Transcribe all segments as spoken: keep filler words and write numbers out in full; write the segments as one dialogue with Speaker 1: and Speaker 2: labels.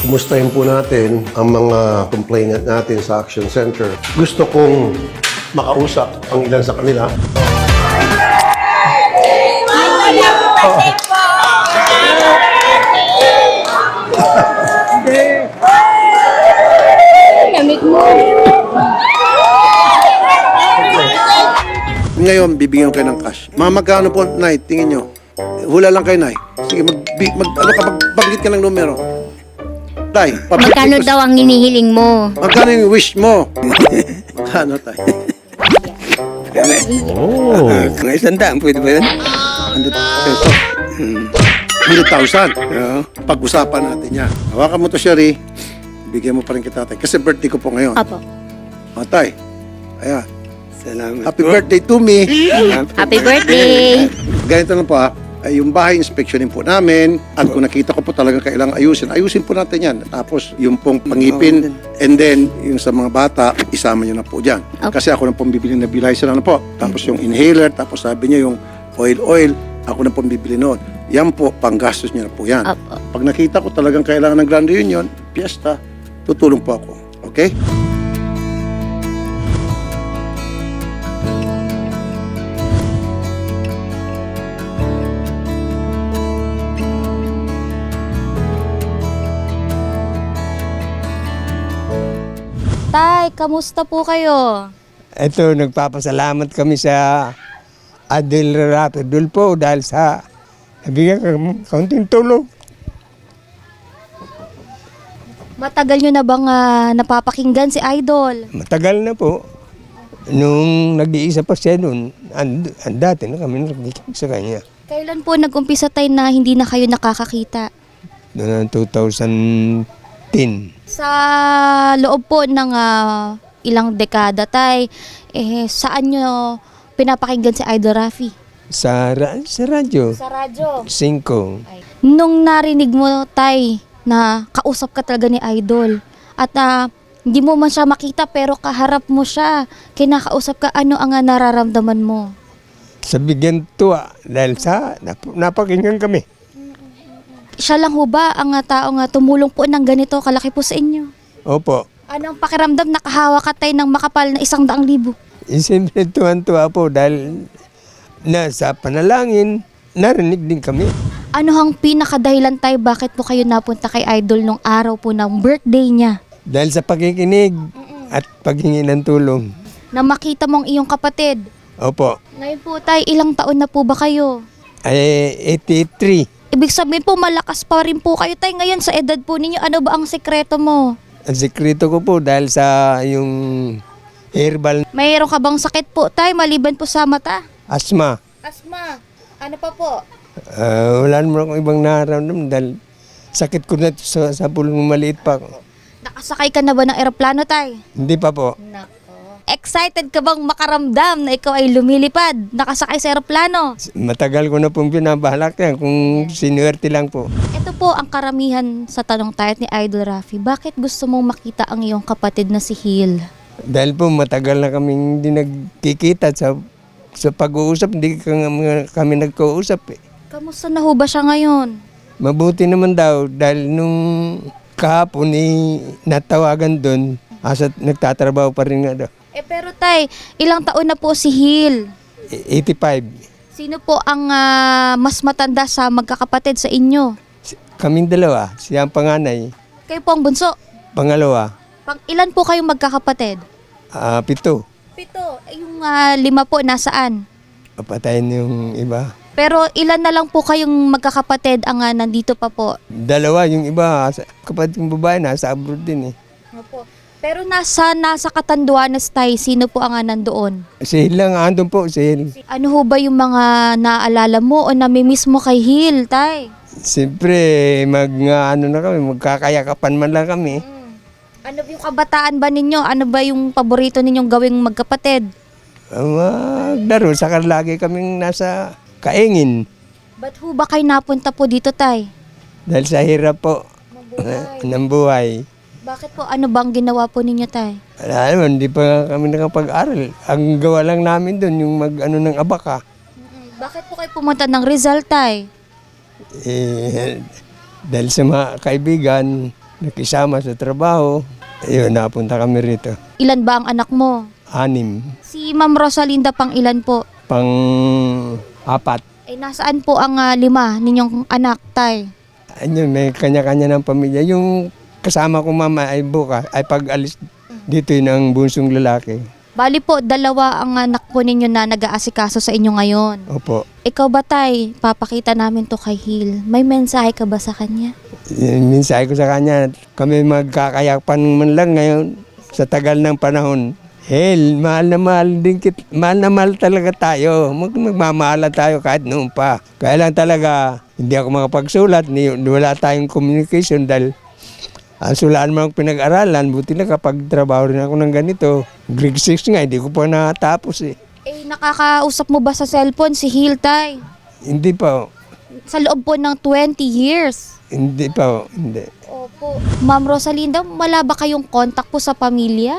Speaker 1: kumustahin po natin ang mga complainant natin sa Action Center. Gusto kong makausap ang ilan sa kanila.
Speaker 2: Gamit mo.
Speaker 3: Ngayon, bibigyan ko kayo ng cash. Mga magkano po, Nay? Tingin nyo. Hula lang kayo, Nay. Sige, mag, mag, ano ka, magbanggit ka ng numero. Tay,
Speaker 2: Magkano daw ang hinihiling mo?
Speaker 3: Magkano yung wish mo? Magkano, Tay?
Speaker 1: Oh.
Speaker 4: Kung isang daan, pwede ba yun?
Speaker 3: one hundred peso. one hundred thousand.
Speaker 4: Oo.
Speaker 3: Pag-usapan natin yan. Hawakan mo to, Sherry. Bigyan mo pa rin kita, Tay. Kasi birthday ko po ngayon.
Speaker 2: Apo.
Speaker 3: O, Tay. Ayan.
Speaker 4: Salamat
Speaker 3: Happy
Speaker 4: po.
Speaker 3: birthday to me.
Speaker 2: Happy birthday!
Speaker 3: Ganito lang po ha, ay yung bahay inspeksyonin po namin at kung nakita ko po talaga kailangan ayusin, ayusin po natin yan. Tapos yung pong pangipin and then yung sa mga bata, isama nyo na po dyan.
Speaker 2: Okay.
Speaker 3: Kasi ako na pong bibili na nebulizer na po. Tapos yung inhaler, tapos sabi niya yung oil-oil, ako na pong bibili noon. Yan po, panggastos niya na po yan.
Speaker 2: Opo.
Speaker 3: Pag nakita ko talagang kailangan ng Grand Reunion, piyesta, tutulong po ako. Okay?
Speaker 2: Tay, kamusta po kayo?
Speaker 4: Ito, nagpapasalamat kami sa Adel Rato Dulpo dahil sa nabigyan kami kaunting tulong.
Speaker 2: Matagal nyo na bang ah, napapakinggan si Idol?
Speaker 4: Matagal na po. Nung nag-iisa pa siya noon, and, and dati na kami nakikinig sa kanya.
Speaker 2: Kailan po nag-umpisa tayo na hindi na kayo nakakakita?
Speaker 4: Noong two thousand ten.
Speaker 2: Sa loob po ng ah, ilang dekada tay, eh, saan nyo pinapakinggan si Idol Rafi?
Speaker 4: Sa, ra- sa radyo.
Speaker 2: Sa radyo.
Speaker 4: Cinco.
Speaker 2: Nung narinig mo tay na kausap ka talaga ni Idol at ah, hindi mo man siya makita pero kaharap mo siya, kinakausap ka, ano ang ah, nararamdaman mo?
Speaker 4: Sa bigyan tuwa dahil sa nap- napakinggan kami.
Speaker 2: Siya lang ho ba ang ah, tao nga tumulong po ng ganito kalaki po sa inyo?
Speaker 4: Opo.
Speaker 2: Anong pakiramdam nakahawa ka tay ng makapal na isang daang libo?
Speaker 4: Eh, siyempre tuwan-tuwa po dahil na sa panalangin, narinig din kami.
Speaker 2: Ano hang pinakadahilan tay bakit po kayo napunta kay Idol nung araw po ng birthday niya?
Speaker 4: Dahil sa pakikinig at paghingi ng tulong.
Speaker 2: Na makita mong iyong kapatid.
Speaker 4: Opo.
Speaker 2: Ngayon po tay, ilang taon na po ba kayo?
Speaker 4: Ay, eighty-three.
Speaker 2: Ibig sabihin po malakas pa rin po kayo tay ngayon sa edad po ninyo. Ano ba ang sekreto mo?
Speaker 4: Ang sekreto ko po dahil sa yung herbal
Speaker 2: Mayroon ka bang sakit po tay maliban po sa mata?
Speaker 4: asthma.
Speaker 2: Asma. Ano pa po?
Speaker 4: Ah, wala naman akong ibang nararamdaman dahil sakit ko na to sa, sa pulong maliit pa ako.
Speaker 2: Nakasakay ka na ba ng eroplano tay?
Speaker 4: Hindi pa po.
Speaker 2: Nako. Excited ka bang makaramdam na ikaw ay lumilipad, nakasakay sa eroplano?
Speaker 4: Matagal ko na pong binabalak yan kung sinuwerte lang po.
Speaker 2: Ito po ang karamihan sa tanong tayo ni Idol Rafi. Bakit gusto mong makita ang iyong kapatid na si Hill?
Speaker 4: Dahil po matagal na kaming hindi nagkikita sa sa pag-uusap, hindi ka nga- kami nagkausap eh.
Speaker 2: Kamusta na ho ba siya ngayon?
Speaker 4: Mabuti naman daw dahil nung kahapon eh, natawagan doon, asa nagtatrabaho pa rin nga daw.
Speaker 2: Eh pero tay, ilang taon na po si Hill?
Speaker 4: E- eighty-five.
Speaker 2: Sino po ang ah, mas matanda sa magkakapatid sa inyo?
Speaker 4: Si- Kaming dalawa, siya ang panganay.
Speaker 2: Kayo po ang bunso.
Speaker 4: Pangalawa,
Speaker 2: Pang ilan po kayong magkakapatid?
Speaker 4: ah, pito.
Speaker 2: Pito. Eh, yung ah, lima po nasaan?
Speaker 4: Papatayin yung iba.
Speaker 2: Pero ilan na lang po kayong magkakapatid ang ah, nandito pa po?
Speaker 4: Dalawa, yung iba, sa- kapatid kong babae, nasa abroad din eh.
Speaker 2: Opo. Pero nasa nasa Catanduanes tayo, sino po ang ah, nandoon?
Speaker 4: Si Hill lang, andun po, si Hill.
Speaker 2: Ano ho ba yung mga naaalala mo o namimiss mo kay Hill, tay?
Speaker 4: Siyempre, mag, nga, ano na kami, magkakayakapan man lang kami.
Speaker 2: Ano yung kabataan ba ninyo? Ano ba yung paborito ninyong gawing magkapatid?
Speaker 4: Maglaro, saka lagi kaming nasa kaingin.
Speaker 2: Ba't ho ba kayo napunta po dito, tay?
Speaker 4: Dahil sa hirap po na- ng buhay.
Speaker 2: Bakit po? Ano bang ginawa po ninyo, tay?
Speaker 4: Wala naman, hindi pa nga kami nakapag-aral. Ang gawa lang namin doon, yung mag-ano ng abaka.
Speaker 2: Bakit po kayo pumunta ng Rizal, tay?
Speaker 4: Eh, dahil sa mga kaibigan, nakisama sa trabaho. Ayun, napunta kami rito.
Speaker 2: Ilan ba ang anak mo?
Speaker 4: Anim.
Speaker 2: Si Ma'am Rosalinda pang ilan po?
Speaker 4: Pang apat.
Speaker 2: Eh, nasaan po ang ah, lima ninyong anak, tay?
Speaker 4: Ayun, may kanya-kanya ng pamilya. Yung kasama ko mama ay bukas, ay pag-alis dito yun ang bunsong lalaki.
Speaker 2: Bali po, dalawa ang anak po ninyo na nag-aasikaso sa inyo ngayon.
Speaker 4: Opo.
Speaker 2: Ikaw ba, tay? Papakita namin to kay Hil. May mensahe ka ba sa kanya?
Speaker 4: Yung mensahe ko sa kanya, kami magkakayapan man lang ngayon sa tagal ng panahon. Hel, mahal na mahal din kit, mahal na mahal talaga tayo. Mag magmamahala tayo kahit noon pa. Kaya lang talaga, hindi ako makapagsulat, ni, wala tayong communication dahil ang sulaan mo ang pinag-aralan, buti na kapag trabaho rin ako ng ganito. Grade six nga, hindi ko pa natapos eh.
Speaker 2: Eh, nakakausap mo ba sa cellphone si Hil, tay?
Speaker 4: Hindi pa,
Speaker 2: Sa loob po ng twenty years.
Speaker 4: hindi pa, hindi.
Speaker 2: Opo. Ma'am Rosalinda, wala ba kayong contact po sa pamilya?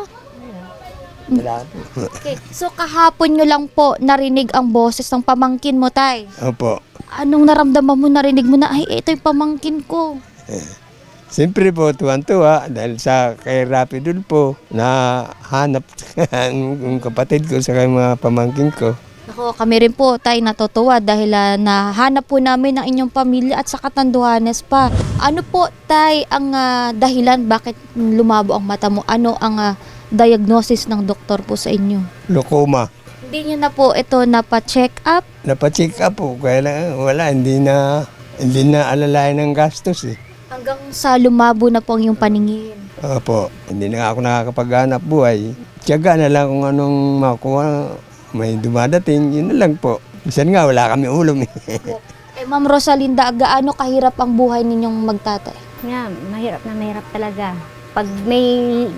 Speaker 4: Wala.
Speaker 2: Okay. So, kahapon nyo lang po narinig ang boses ng pamangkin mo, tay.
Speaker 4: Opo.
Speaker 2: Anong naramdaman mo, narinig mo na, ay, ito yung pamangkin ko.
Speaker 4: Siyempre po, tuwan-tuwa dahil sa kay Rapidul po na hanap ang kapatid ko sa mga pamangkin ko.
Speaker 2: Ako, kami rin po, tay, natutuwa dahil uh, nahanap po namin ang inyong pamilya at sa Catanduanes pa. Ano po, tay, ang ah, dahilan bakit lumabo ang mata mo? Ano ang ah, diagnosis ng doktor po sa inyo?
Speaker 4: Lukoma.
Speaker 2: Hindi nyo na po ito napa-check up?
Speaker 4: Napacheck up po, kaya lang wala, hindi na, hindi na alalayan ng gastos eh.
Speaker 2: Hanggang sa lumabo na po ang iyong paningin.
Speaker 4: Opo, hindi na ako nakakapaghanap buhay. Tiyaga na lang kung anong makuha, may dumadating, yun na lang po. Minsan nga, wala kami ulam eh.
Speaker 2: Eh, Ma'am Rosalinda, gaano kahirap ang buhay ninyong magtatay?
Speaker 5: Nga, mahirap na mahirap talaga. Pag may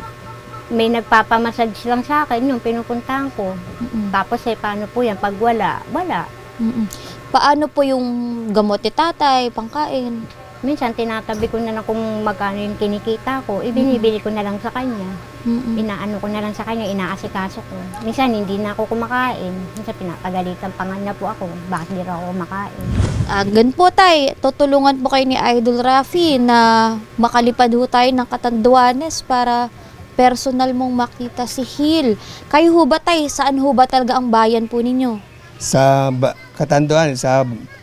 Speaker 5: may nagpapamassage lang sa akin, yung pinupuntahan ko.
Speaker 2: Mm-mm.
Speaker 5: Tapos eh, paano po yan? Pag wala, wala.
Speaker 2: Mm-mm. Paano po yung gamot ni tatay, pangkain?
Speaker 5: Minsan, tinatabi ko na lang kung magkano yung kinikita ko. Ibinibili ko na lang sa kanya.
Speaker 2: Mm-mm.
Speaker 5: Inaano ko na lang sa kanya, inaasikaso ko. Minsan, hindi na ako kumakain. Minsan, pinapagalitan pa nga na po ako. Bakit di raw ako kumakain?
Speaker 2: Ah, gan po tay, tutulungan po kayo ni Idol Rafi na makalipad ho tayo ng Catanduanes para personal mong makita si Hil. Kayo ho ba tay, saan ho ba talaga ang bayan po ninyo?
Speaker 4: Sa ba- Catanduanes, sa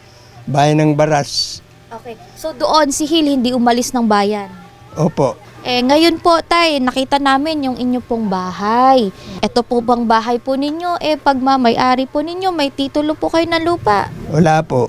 Speaker 4: bayan ng Baras.
Speaker 2: Okay, so doon si Hil hindi umalis ng bayan.
Speaker 4: Opo.
Speaker 2: Eh, ngayon po, tay, nakita namin yung inyo pong bahay. Ito po bang bahay po ninyo? Eh, pag mamay-ari po ninyo, may titulo po kayo na lupa.
Speaker 4: Wala po.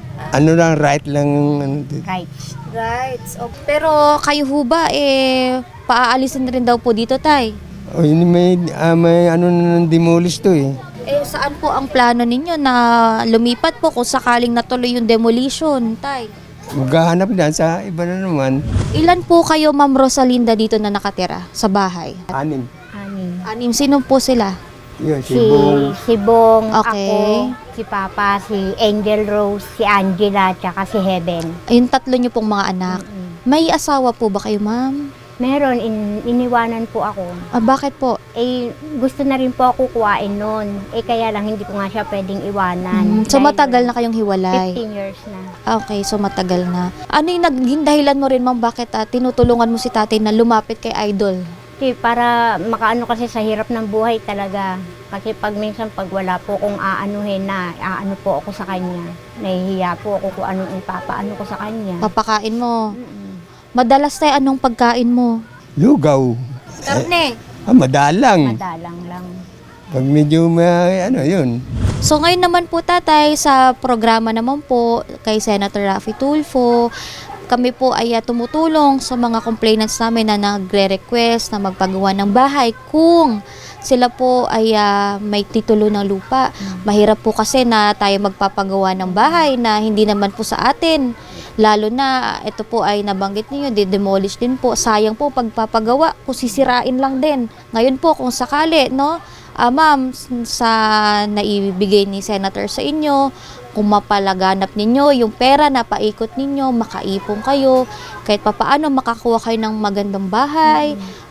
Speaker 4: Ano lang, right lang. ano dito.
Speaker 5: Right.
Speaker 2: Right. So, pero kayo ho ba, eh, paaalisin rin daw po dito, tay?
Speaker 4: O, yun, may, ah, may ano na demolish to eh.
Speaker 2: Eh, saan po ang plano ninyo na lumipat po kung sakaling natuloy yung demolition, tay?
Speaker 4: Maghahanap na sa iba na naman.
Speaker 2: Ilan po kayo, Ma'am Rosalinda, dito na nakatira sa bahay?
Speaker 4: Anim.
Speaker 5: Anim.
Speaker 2: Anim. Sino po sila?
Speaker 4: Yun, si
Speaker 5: Si,
Speaker 4: Bong.
Speaker 5: si Bong,
Speaker 2: Okay.
Speaker 5: ako, si Papa, si Angel Rose, si Angela, tsaka si Heaven.
Speaker 2: Yung tatlo nyo pong mga anak. May asawa po ba kayo, ma'am?
Speaker 5: Meron, in, iniwanan po ako.
Speaker 2: Ah, bakit po?
Speaker 5: Eh, gusto na rin po ako kuwain noon. Eh, kaya lang hindi ko nga siya pwedeng iwanan.
Speaker 2: Mm, so
Speaker 5: Dahil
Speaker 2: matagal na kayong hiwalay?
Speaker 5: fifteen years na.
Speaker 2: Ah, okay, so matagal na. Ano yung naging dahilan mo rin, ma'am, bakit ah, tinutulungan mo si tatay na lumapit kay Idol?
Speaker 5: Eh, para makaano kasi sa hirap ng buhay talaga. Kasi pag minsan pag wala po kung aanuhin na, aano po ako sa kanya. Nahihiya po ako kung anong ipapaano ko sa kanya.
Speaker 2: Papakain mo.
Speaker 5: Mm-mm.
Speaker 2: Madalas tayo, anong pagkain mo?
Speaker 4: Lugaw.
Speaker 2: Karne.
Speaker 4: Ah, madalang.
Speaker 5: Madalang lang.
Speaker 4: Pag medyo may, ano yun.
Speaker 2: So ngayon naman po, tatay, sa programa naman po kay Senator Raffy Tulfo, kami po ay uh, tumutulong sa mga complainants namin na nagre-request na magpagawa ng bahay kung sila po ay uh, may titulo ng lupa. Mahirap po kasi na tayo magpapagawa ng bahay na hindi naman po sa atin. Lalo na ito po ay nabanggit niyo, de-demolish din po. Sayang po pagpapagawa kung sisirain lang din. Ngayon po kung sakali, no, uh, ma'am, sa naibigay ni Senator sa inyo, kung mapalaganap ninyo yung pera na paikot ninyo, makaipon kayo, kahit papaano makakuha kayo ng magandang bahay,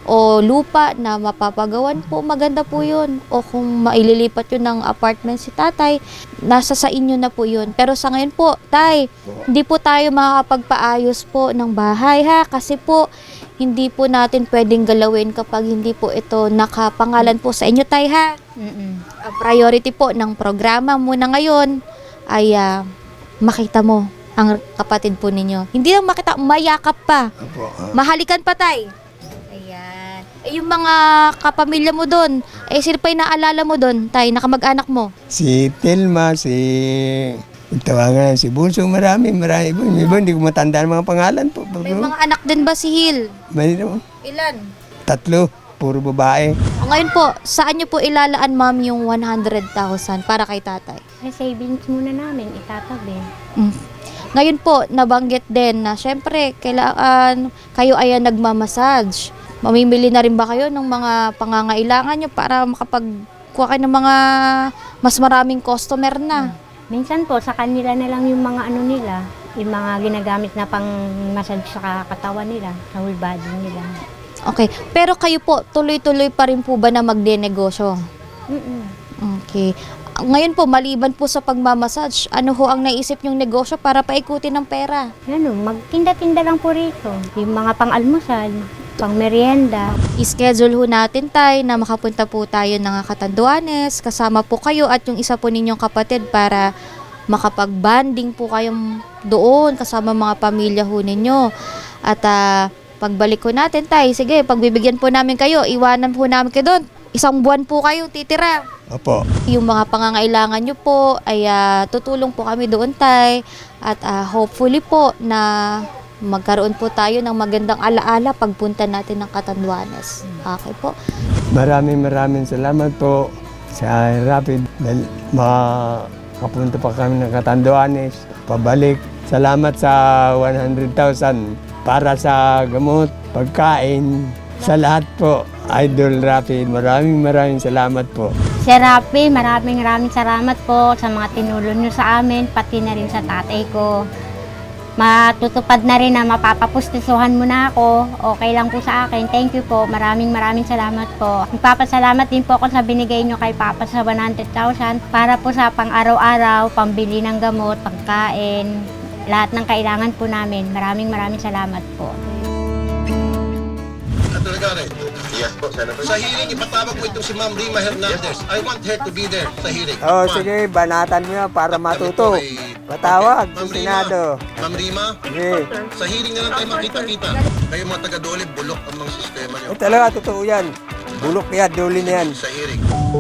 Speaker 2: o lupa na mapapagawan po, maganda po yun. O kung maililipat yun ng apartment si tatay, nasa sa inyo na po yun. Pero sa ngayon po, tay, hindi po tayo makakapagpaayos po ng bahay ha, kasi po hindi po natin pwedeng galawin kapag hindi po ito nakapangalan po sa inyo, tay ha.
Speaker 5: Mm-mm.
Speaker 2: Ang priority po ng programa muna ngayon ay ah, makita mo ang kapatid po ninyo. Hindi lang makita, mayakap pa.
Speaker 4: Opo. ah.
Speaker 2: Mahalikan pa, tay. Ayan. Eh, yung mga kapamilya mo doon, eh sino pa yung naalala mo doon, tay, nakamag-anak mo?
Speaker 4: Si Telma, si... Tawagan si Bunso, marami, marami. Iba, iba, hindi ko matandaan mga pangalan po.
Speaker 2: May mga anak din ba si Hil?
Speaker 4: May naman.
Speaker 2: Ilan?
Speaker 4: Tatlo, puro babae.
Speaker 2: Ngayon po, saan nyo po ilalaan, ma'am, yung one hundred thousand para kay tatay?
Speaker 5: Sa savings muna namin, itatabi.
Speaker 2: Mm. Ngayon po, nabanggit din na syempre, kailangan kayo ay nagmamassage. Mamimili na rin ba kayo ng mga pangangailangan nyo para makapagkuha kayo ng mga mas maraming customer na?
Speaker 5: Minsan po, sa kanila na lang yung mga ano nila, yung mga ginagamit na pang massage sa katawan nila, sa whole body nila.
Speaker 2: Okay. Pero kayo po, tuloy-tuloy pa rin po ba na magdenegosyo?
Speaker 5: Mm-mm.
Speaker 2: Okay. Ngayon po, maliban po sa pagmamassage, ano ho ang naisip yung negosyo para paikutin ng pera?
Speaker 5: Ano, magtinda-tinda lang po rito. Yung mga pang-almusal, pang-merienda.
Speaker 2: I-schedule ho natin, tay, na makapunta po tayo ng Catanduanes, kasama po kayo at yung isa po ninyong kapatid para makapag-banding po kayong doon kasama mga pamilya ho ninyo. At ah, pagbalik ko natin, tay, sige, pagbibigyan po namin kayo, iwanan po namin kayo doon. Isang buwan po kayo titira.
Speaker 4: Opo.
Speaker 2: Yung mga pangangailangan nyo po ay ah, tutulong po kami doon, tay. At ah, hopefully po na magkaroon po tayo ng magandang alaala pagpunta natin ng Catanduanes. Okay po.
Speaker 4: Maraming maraming salamat po sa Rapid dahil makapunta pa kami ng Catanduanes, pabalik. Salamat sa one hundred thousand para sa gamot, pagkain, sa lahat po. Idol Rapid, maraming maraming salamat po.
Speaker 5: Sir Rafi, maraming maraming salamat po sa mga tinulong nyo sa amin, pati na rin sa tatay ko. Matutupad na rin na mapapapustisuhan mo na ako. Okay lang po sa akin. Thank you po. Maraming maraming salamat po. Magpapasalamat din po ako sa binigay nyo kay Papa sa one hundred thousand para po sa pang-araw-araw, pambili ng gamot, pagkain, lahat ng kailangan po namin. Maraming maraming salamat po.
Speaker 1: Senator Garrett. Yes po, Senator. Sa hearing, ipatawag mo itong si Ma'am Rima Hernandez. I want her to be there sa hearing.
Speaker 4: Oh,
Speaker 1: One.
Speaker 4: sige, banatan mo yan para matuto.
Speaker 1: Ito ay-
Speaker 4: Patawag
Speaker 1: Okay. Ma'am
Speaker 4: sa
Speaker 1: Rima.
Speaker 4: Senado.
Speaker 1: Ma'am Rima,
Speaker 4: Sige.
Speaker 1: sa hearing na lang tayo makita-kita. Kayo mga taga-Dole, bulok ang mga sistema nyo
Speaker 4: Eh, talaga, totoo yan. Bulok yan, duli na yan.
Speaker 1: sa hearing.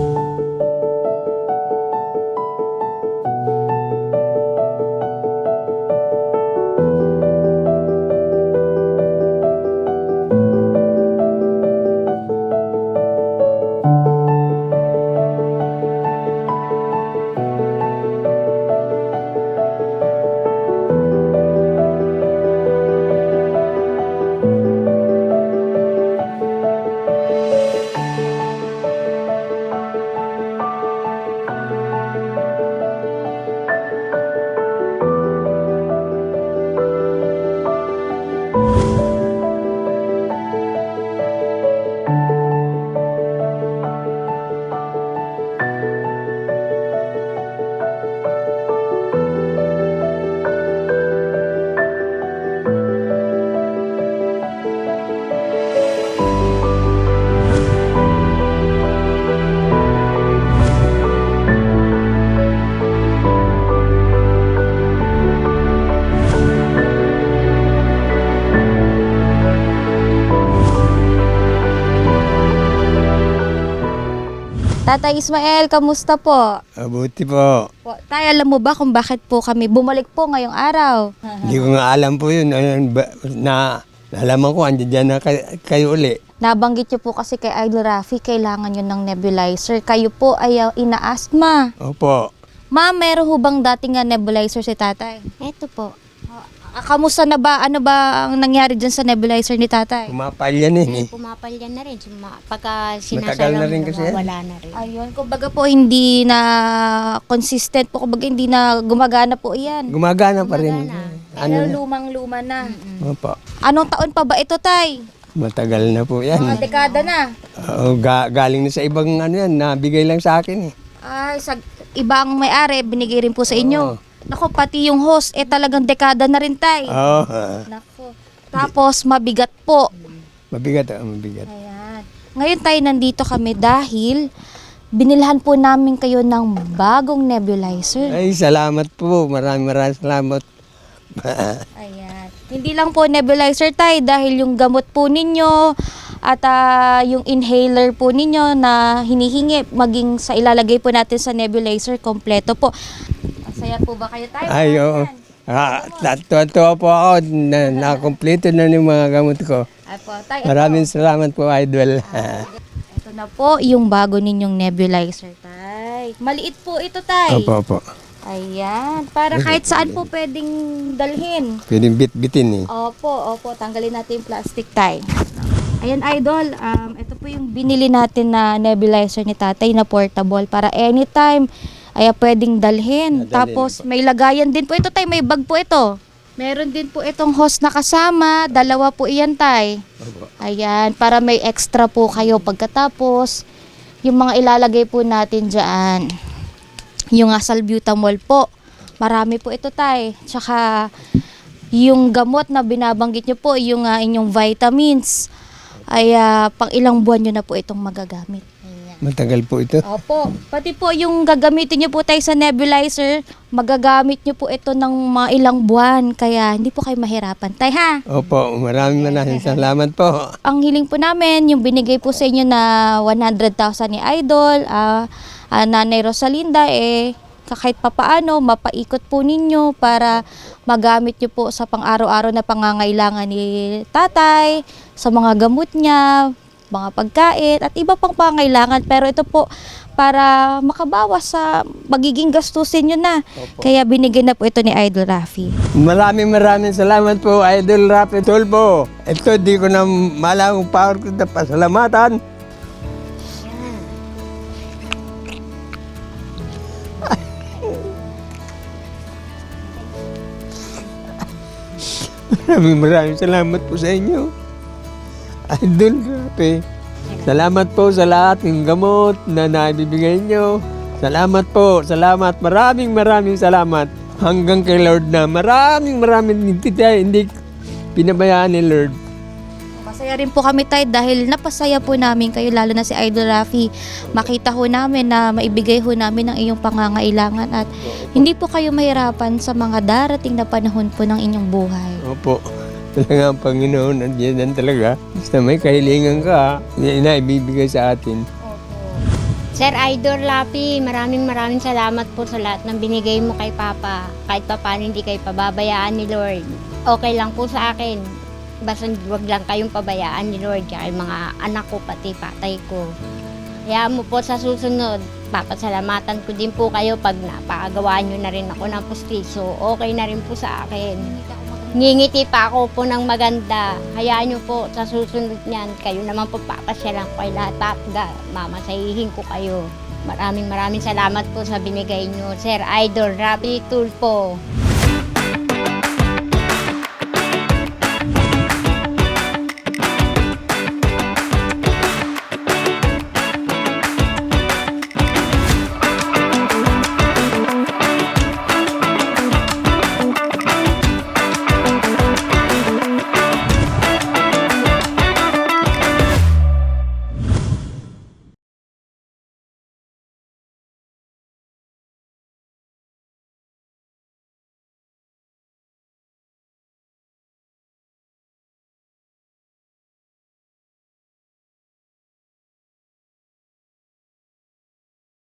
Speaker 2: Tatay Ismael, kamusta po?
Speaker 4: Mabuti po.
Speaker 2: Po, tay, alam mo ba kung bakit po kami bumalik po ngayong araw?
Speaker 4: Hindi ko nga alam po yun. Ayun, ba- Na, nalaman ko, andyan dyan na kay- kayo uli.
Speaker 2: Nabanggit niyo po kasi kay Idol Rafi, kailangan yun ng nebulizer. Kayo po ay uh, ina-asthma.
Speaker 4: Opo.
Speaker 2: Ma'am, meron ho bang dating nga nebulizer si tatay?
Speaker 5: Eto po.
Speaker 2: Ah, kamusta na ba? Ano ba ang nangyari dyan sa nebulizer ni tatay?
Speaker 4: Kumapal yan eh.
Speaker 5: Pumapalyan na rin. Suma- Pagka
Speaker 4: Matagal
Speaker 5: sinasalang
Speaker 4: na rin kasi yan.
Speaker 5: wala na rin.
Speaker 2: Ayun, kumbaga po hindi na consistent po, kumbaga hindi na gumagana po iyan.
Speaker 4: Gumagana pa rin.
Speaker 2: Pero
Speaker 4: Ano na?
Speaker 2: lumang-luma na.
Speaker 4: Opo.
Speaker 2: Anong taon pa ba ito, tay?
Speaker 4: Matagal na po yan.
Speaker 2: Mga dekada na.
Speaker 4: Oo, ga- galing na sa ibang ano yan, nabigay lang sa akin eh.
Speaker 2: Ay, sa ibang may-ari, binigay rin po sa inyo. Nako, pati yung host, eh talagang dekada na rin, tay.
Speaker 4: Oo,
Speaker 2: Nako. Tapos, mabigat po.
Speaker 4: mabigat, ah, mabigat.
Speaker 2: Ayan. Ngayon tayo nandito kami dahil binilhan po namin kayo ng bagong nebulizer.
Speaker 4: Ay, salamat po. Maraming maraming salamat.
Speaker 2: Ayan. Hindi lang po nebulizer tayo dahil yung gamot po ninyo at ah, yung inhaler po ninyo na hinihingi maging sa ilalagay po natin sa nebulizer kompleto po. Masaya po ba kayo tayo?
Speaker 4: Ay, oo. Ah, tuwa po ako na nakompleto na yung mga gamot ko.
Speaker 2: Ay po, tayo.
Speaker 4: Maraming salamat po, Idol.
Speaker 2: Ito na po yung bago ninyong nebulizer, tay. Maliit po ito, tay.
Speaker 4: Opo, opo.
Speaker 2: Ayan. Para kahit saan po pwedeng dalhin.
Speaker 4: Pwedeng bit-bitin eh.
Speaker 2: Opo, opo. Tanggalin natin yung plastic, tay. Ayan, Idol. Um, ito po yung binili natin na nebulizer ni tatay na portable para anytime ay pwedeng dalhin. Tapos may lagayan din po ito, tay. May bag po ito. Meron din po itong host na kasama. Dalawa po iyan, tay. Ayan, para may extra po kayo pagkatapos. Yung mga ilalagay po natin dyan. Yung uh, salbutamol po. Marami po ito, tay. Tsaka yung gamot na binabanggit nyo po, yung uh, inyong vitamins, ay uh, pang ilang buwan nyo na po itong magagamit.
Speaker 4: Matagal po ito.
Speaker 2: Opo. Pati po yung gagamitin nyo po tayo sa nebulizer, magagamit nyo po ito ng mga ilang buwan. Kaya hindi po kayo mahirapan. Tay, ha?
Speaker 4: Opo, maraming maraming salamat po.
Speaker 2: Ang hiling po namin, yung binigay po sa inyo na one hundred thousand ni Idol, ah, ah, Nanay Rosalinda, eh, kahit papaano, mapaikot po ninyo para magamit nyo po sa pang-araw-araw na pangangailangan ni tatay, sa mga gamot niya, mga pagkain, at iba pang pangangailangan. Pero ito po, para makabawas sa magiging gastusin nyo na. Kaya binigyan na po ito ni Idol Rafi.
Speaker 4: Maraming maraming salamat po, Idol Rafi Tulfo. Ito, di ko na malang power ko na pasalamatan. Maraming maraming salamat po sa inyo, Idol Rafi. Salamat po sa lahat ng gamot na naibibigay nyo. Salamat po, salamat, maraming maraming salamat. Hanggang kay Lord na maraming maraming hindi, hindi pinabayaan ni Lord.
Speaker 2: Masaya rin po kami, tay, dahil napasaya po namin kayo, lalo na si Idol Rafi. Makita ho namin na maibigay ho namin ang iyong pangangailangan at hindi po kayo mahirapan sa mga darating na panahon po ng inyong buhay.
Speaker 4: Opo, talaga ang Panginoon, nandiyan talaga. Basta may kahilingan ka, inaibibigay sa atin.
Speaker 5: Sir Idol Rafi, maraming maraming salamat po sa lahat ng binigay mo kay Papa. Kahit pa paano hindi kayo pababayaan ni Lord. Okay lang po sa akin. Basta wag lang kayong pabayaan ni Lord kaya mga anak ko pati patay ko. Hayaan mo po sa susunod, papasalamatan ko din po kayo pag napakagawa nyo na rin ako ng pustiso. Okay na rin po sa akin. Ngingiti pa ako po ng maganda. Hayaan nyo po sa susunod niyan. Kayo naman po papasyalan ko kay lahat. Mamasahihin ko kayo. Maraming maraming salamat po sa binigay nyo. Sir Idol Rafi Tulfo.